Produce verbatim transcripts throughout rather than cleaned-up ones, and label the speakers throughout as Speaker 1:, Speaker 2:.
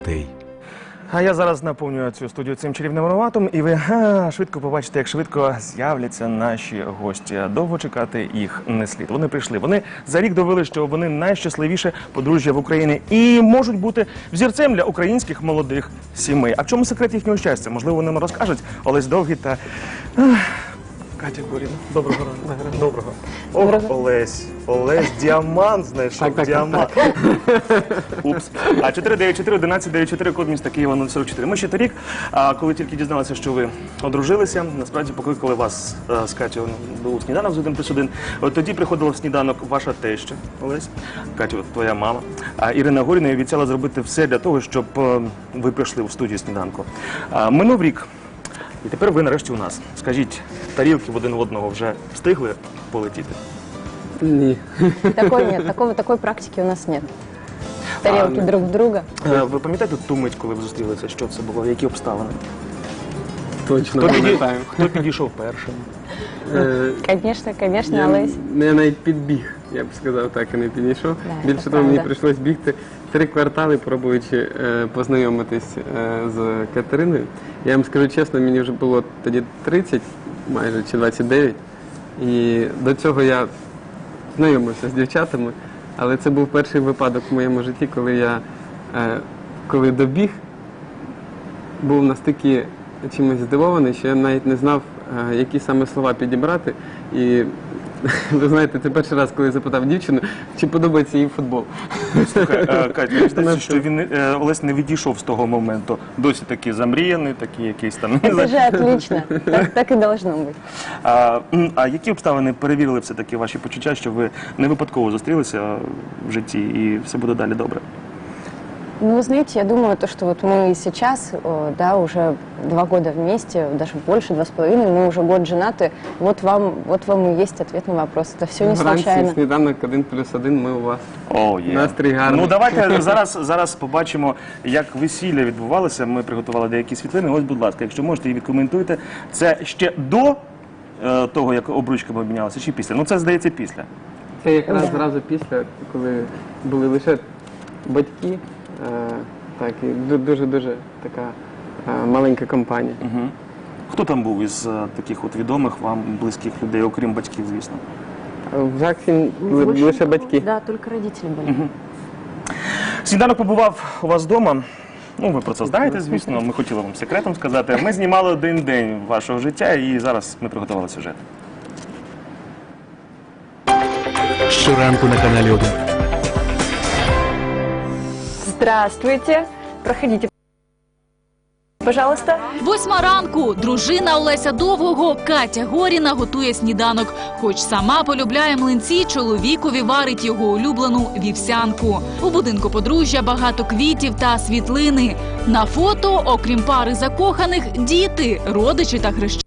Speaker 1: А я зараз наповнюю цю студію цим чарівним ароматом, і ви га, швидко побачите, як швидко з'являться наші гості. Довго чекати їх не слід. Вони прийшли. Вони за рік довели, що вони найщасливіше подружжя в Україні і можуть бути взірцем для українських молодих сімей. А в чому секрет їхнього щастя? Можливо, вони нам розкажуть. Олесь Довгий та Катя Горіна. Доброго ранку. Доброго. Ох, Олесь. Олесь, діамант знайшов, діамант. Упс. А чотири дев'ять чотири одинадцять дев'яносто чотири, код міста Києва нуль сорок чотири. Ми ще торік, коли тільки дізналися, що ви одружилися, насправді покликали вас з Катю у сніданок з один плюс один. От тоді приходила в сніданок ваша теща, Олесь, Катю, твоя мама. А Ірина Горіна і обіцяла зробити все для того, щоб ви прийшли в студію сніданку. Минув рік. І тепер ви нарешті у нас. Скажіть, тарілки в один в одного вже встигли полетіти?
Speaker 2: Ні.
Speaker 3: Такой нет, такого, такой практики у нас нет. Тарелки а, друг в друга.
Speaker 1: Ви пам'ятаєте ту мить, коли ви зустрілися? Що це було? Які обставини?
Speaker 2: Точно
Speaker 1: Хто, піді...
Speaker 2: пам'ятаю.
Speaker 1: Хто підійшов першим?
Speaker 3: Конечно, конечно,
Speaker 2: Я,
Speaker 3: Олесь.
Speaker 2: я навіть підбіг, я б сказав так, і не підійшов.
Speaker 3: Да,
Speaker 2: Більше того, мені прийшлось бігти три квартали, пробуючи е, познайомитись е, з Катериною. Я вам скажу чесно, мені вже було тоді тридцять, майже, чи двадцять дев'ять. І до цього я знайомився з дівчатами, але це був перший випадок в моєму житті, коли я, е, коли добіг, був настільки чимось здивований, що я навіть не знав, е, які саме слова підібрати. І ви знаєте, це перший раз, коли я запитав дівчину, чи подобається їй футбол.
Speaker 1: Слухай, Катя, мені здається, що він, Олесь не відійшов з того моменту. Досі такий замріяний, такий якийсь там...
Speaker 3: Это же отлично. Так, так и должно быть.
Speaker 1: А, а які обставини перевірили все-таки ваші почуття, що ви не випадково зустрілися в житті і все буде далі добре?
Speaker 3: Ну, вы знаете, я думаю, то, что вот мы сейчас, да, уже два года вместе, даже больше, два с половиной, мы уже год женаты, вот вам, вот вам и есть ответ на вопрос. Это все не случайно.
Speaker 2: Вранці сніданок один плюс один, ми у вас.
Speaker 1: О, є.
Speaker 2: Настрій гарний.
Speaker 1: Ну, давайте зараз, зараз побачимо, як весілля відбувалося. Ми приготували деякі світлини. Ось, будь ласка, якщо можете, і відкоментуйте. Це ще до е, того, як обручками обмінялися, чи після? Ну, це, здається, після.
Speaker 2: Це якраз зразу після, коли були лише батьки, е, так, і дуже-дуже така е, маленька компанія.
Speaker 1: Угу. Хто там був із е, таких от відомих вам близьких людей, окрім батьків, звісно?
Speaker 2: В ЗАГСі лише батьки.
Speaker 3: Да, только родители были.
Speaker 1: Угу. Сніданок побував у вас вдома. Ну, ви про це знаєте, звісно. Ми хотіли вам секретом сказати. Ми знімали один день вашого життя, і зараз ми приготували сюжет.
Speaker 4: Щоранку на каналі один.
Speaker 3: Здравствуйте. Проходите, пожалуйста.
Speaker 5: Восьма ранку. Дружина Олеся Довгого Катя Горіна готує сніданок. Хоч сама полюбляє млинці, чоловікові варить його улюблену вівсянку. У будинку подружжя багато квітів та світлини. На фото, окрім пари закоханих, діти, родичі та хрещені.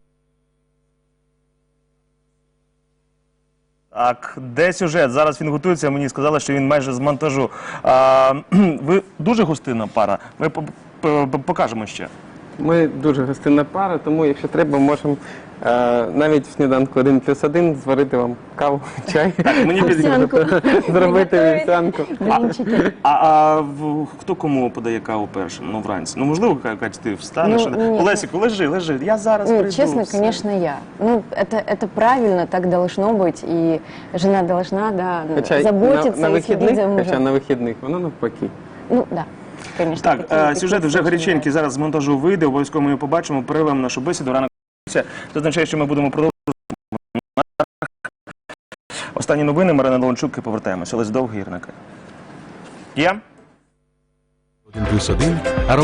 Speaker 1: Так, де сюжет? Зараз він готується, мені сказали, що він майже з монтажу. А, ви дуже гостинна пара, ми покажемо ще.
Speaker 2: Ми дуже гостинна пара, тому якщо треба, можемо е, навіть в сніданку один плюс один зварити вам каву, чай,
Speaker 1: Так, мені
Speaker 3: Вівсянку.
Speaker 2: зробити вівсянку.
Speaker 3: Блинчики.
Speaker 1: А, а в, хто кому подає каву першим? Ну, вранці. Ну, можливо, Катя, ти встанеш.
Speaker 3: Ну, ні.
Speaker 1: Олесіку, лежи, лежи, я зараз
Speaker 3: Ну,
Speaker 1: прийду.
Speaker 3: честно,
Speaker 1: все.
Speaker 3: конечно, я. Ну, это, это правильно, так должно быть, и жена должна, да,
Speaker 2: Хоча
Speaker 3: заботиться
Speaker 2: на, на
Speaker 3: и следить
Speaker 2: вихідних,
Speaker 3: за мужем.
Speaker 2: хоча на вихідних, воно навпаки.
Speaker 3: Ну, да, конечно.
Speaker 1: Так,
Speaker 3: такие-
Speaker 1: е,
Speaker 3: такие
Speaker 1: сюжет вже
Speaker 3: случаи
Speaker 1: гаряченький,
Speaker 3: бывают.
Speaker 1: зараз з монтажу вийде, обов'язково ми його побачимо, перервемо нашу бесіду, ранок. Це означає, що ми будемо продовжувати. Останні новини, Марина Леончук, і повертаємося. Олесь Довгий, Ірина Катя. Є?
Speaker 4: один плюс один.